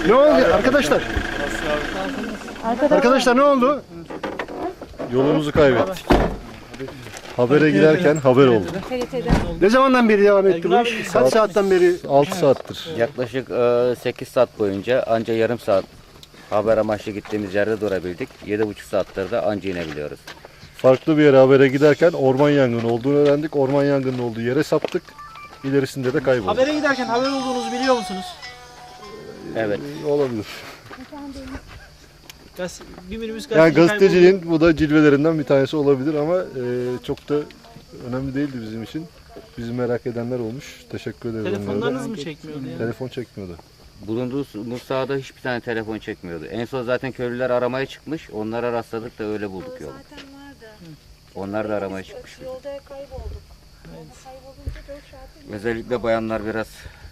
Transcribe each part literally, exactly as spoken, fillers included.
Ne oldu arkadaşlar? Arkadaşlar ne oldu? Yolumuzu kaybettik. Habere giderken haber oldu. Ne zamandan beri devam etti bu iş? Kaç saatten beri? altı saattir. Yaklaşık e, sekiz saat boyunca anca yarım saat haber amaçlı gittiğimiz yerde durabildik. yedi buçuk saattir de anca inebiliyoruz. Farklı bir yere habere giderken orman yangını olduğunu öğrendik. Orman yangının olduğu yere saptık. İlerisinde de kaybolduk. Habere giderken haber olduğunuzu biliyor musunuz? Evet. Ee, Olabilir. Gaz, bir minibüs Yani gazeteci gazeteciliğin bu da cilvelerinden bir tanesi olabilir ama e, çok da önemli değildi bizim için. Bizi merak edenler olmuş. Teşekkür ederiz. onlara da. Telefonlarınız mı çekmiyordu yani? Telefon çekmiyordu. Bulunduğumuz sahada hiçbir tane telefon çekmiyordu. En son zaten köylüler aramaya çıkmış. Onlara rastladık da öyle bulduk yolu. Zaten vardı. Onlar da aramaya çıkmış. Yolda kaybolduk. Yolda kaybolunca dört saat. Özellikle bayanlar biraz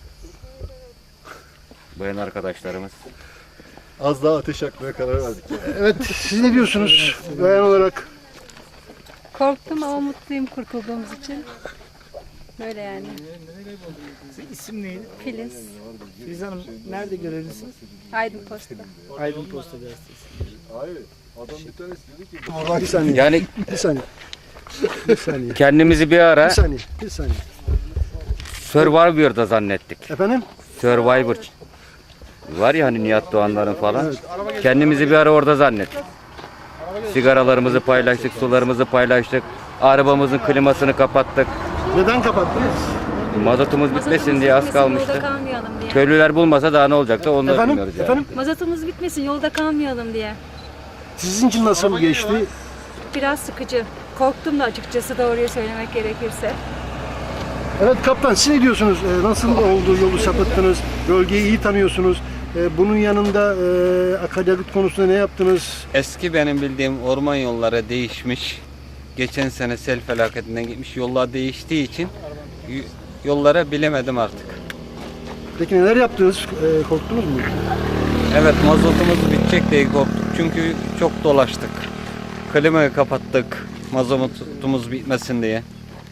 bayan arkadaşlarımız. Az daha ateş yakmaya karar verdik. Evet, siz ne diyorsunuz bayan olarak? Korktum ama mutluyum kurtulduğumuz için. Böyle yani. İsim neydi? Filiz, Filiz Hanım nerede görevlisiniz? Aydın Posta. Aydın Posta Gazetesi. Hayır. Adam bir tanesi dedi ki Bir saniye, Yani bir saniye. Bir saniye, kendimizi bir bir ara saniye, bir saniye. Survivor'da zannettik. Efendim? Survivor var ya hani Nihat Doğanların falan. Kendimizi bir ara orada zannettik. Sigaralarımızı paylaştık, sularımızı paylaştık. Arabamızın klimasını kapattık. Neden kapattınız? Mazotumuz bitmesin diye az Yolda kalmıştı. kalmayalım diye. Köylüler bulmasa daha ne olacaktı onu da Efendim? bilmiyoruz yani. Efendim? Mazotumuz bitmesin, yolda kalmayalım diye. Sizin için nasıl geçti? Biraz sıkıcı. Korktum da açıkçası doğruyu söylemek gerekirse. Evet kaptan, siz ne diyorsunuz? Ee, nasıl oldu, yolu sapıttınız? Bölgeyi iyi tanıyorsunuz. Ee, bunun yanında e, akaryakıt konusunda ne yaptınız? Eski benim bildiğim orman yolları değişmiş. Geçen sene sel felaketinden gitmiş. Yollar değiştiği için y- yollara bilemedim artık. Peki neler yaptınız? Ee, korktunuz mu? Evet, mazotumuz bitecek diye korktuk. Çünkü çok dolaştık. Klimayı kapattık. Mazotumuz bitmesin diye.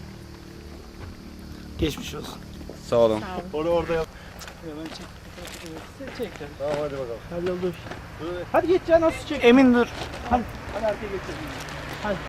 Geçmiş olsun. Sağ olun. orada orada yap. Çek. Tamam hadi bakalım. Hadi dur. Hadi geç ya, nasıl çek? Emin dur. Hadi. Hadi arkaya geçelim. Hadi.